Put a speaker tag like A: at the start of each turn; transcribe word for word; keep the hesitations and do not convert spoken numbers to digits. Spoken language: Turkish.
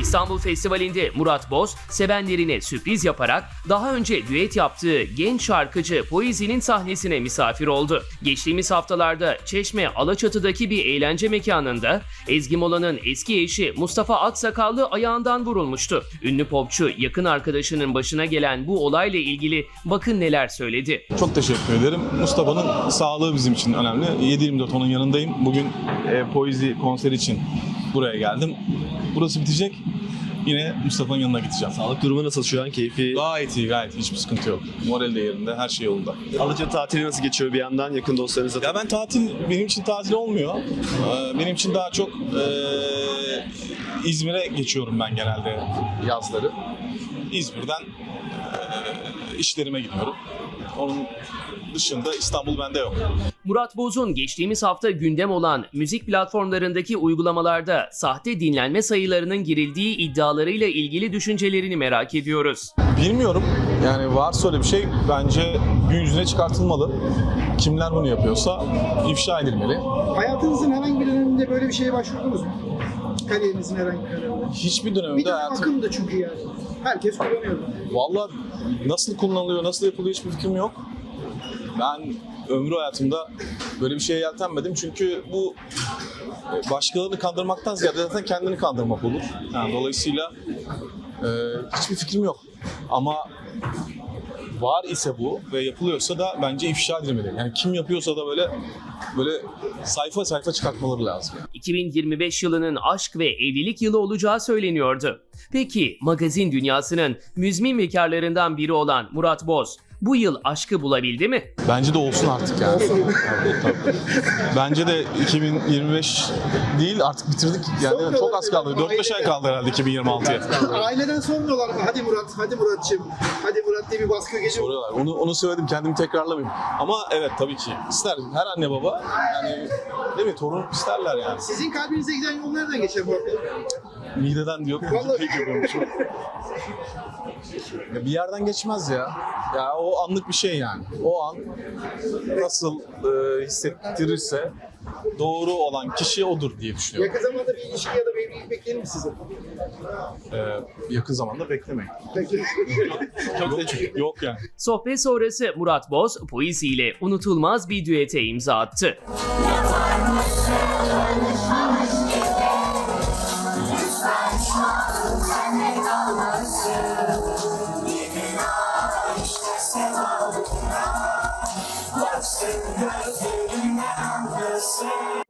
A: İstanbul Festivali'nde Murat Boz, sevenlerine sürpriz yaparak daha önce düet yaptığı genç şarkıcı Poezi'nin sahnesine misafir oldu. Geçtiğimiz haftalarda Çeşme Alaçatı'daki bir eğlence mekanında Ezgi Mola'nın eski eşi Mustafa Aksakallı ayağından vurulmuştu. Ünlü popçu yakın arkadaşının başına gelen bu olayla ilgili bakın neler söyledi.
B: Çok teşekkür ederim. Mustafa'nın sağlığı bizim için önemli. yedi yirmi dört onun yanındayım. Bugün e, Poezi konseri için buraya geldim. Burası bitecek. Yine Mustafa'nın yanına gideceğim.
C: Sağlık durumu nasıl şu an? Keyfi?
B: Gayet iyi, gayet iyi. Hiçbir sıkıntı yok. Moral de yerinde, her şey yolunda.
C: Alaçatı tatili nasıl geçiyor bir yandan? Yakın dostlarınızla?
B: Ya ben tatil, benim için tatil olmuyor. Ee, Benim için daha çok e, İzmir'e geçiyorum ben genelde yazları. İzmir'den e, işlerime gidiyorum. Onun dışında İstanbul bende yok.
A: Murat Boz'un geçtiğimiz hafta gündem olan müzik platformlarındaki uygulamalarda sahte dinlenme sayılarının girildiği iddialarıyla ilgili düşüncelerini merak ediyoruz.
B: Bilmiyorum. Yani varsa öyle bir şey bence gün yüzüne çıkartılmalı. Kimler bunu yapıyorsa ifşa edilmeli.
D: Hayatınızın herhangi bir döneminde böyle bir şeye başvurdunuz mu? Kariyerinizin herhangi bir döneminde.
B: Hiçbir
D: Bir
B: dönemde
D: dönem
B: hayatım...
D: akımdı çünkü yani. Herkes kullanıyordu.
B: Vallahi nasıl kullanılıyor, nasıl yapılıyor hiçbir fikrim yok. Ben ömrü hayatımda böyle bir şeye yeltenmedim çünkü bu başkalarını kandırmaktan ziyade zaten kendini kandırmak olur. Yani dolayısıyla e, hiçbir fikrim yok. Ama var ise bu ve yapılıyorsa da bence ifşa edilmeli. Yani kim yapıyorsa da böyle böyle sayfa sayfa çıkartmaları lazım.
A: iki bin yirmi beş yılının aşk ve evlilik yılı olacağı söyleniyordu. Peki magazin dünyasının müzmin bekarlarından biri olan Murat Boz bu yıl aşkı bulabildi mi?
B: Bence de olsun artık yani. Tabii, tabii. Bence de iki bin yirmi beş değil artık bitirdik. Yani çok az kaldı. dört beş ay kaldı herhalde iki bin yirmi altıya.
D: Aileden sormuyorlar mı? Hadi Murat, hadi Murat'cığım. Hadi Murat diye bir baskı geçiyor.
B: Soruyorlar. Onu, onu söyledim, kendimi tekrarlamayayım. Ama evet tabii ki ister. Her anne baba yani değil mi? Torun isterler yani.
D: Sizin kalbinize giden yol nereden geçer Murat Bey?
B: Mideden diyor.
D: Vallahi.
B: Ya bir yerden geçmez ya. Ya o anlık bir şey yani. O an nasıl e, hissettirirse doğru olan kişi odur diye düşünüyorum.
D: Yakın zamanda bir ilişki ya da bir evlilik beklenir mi size?
B: Ee, yakın zamanda beklemeyin.
D: Peki.
B: Yok, yok yani.
A: Sohbet sonrası Murat Boz, Poezi ile unutulmaz bir düete imza attı.
E: Baksın gözlerinden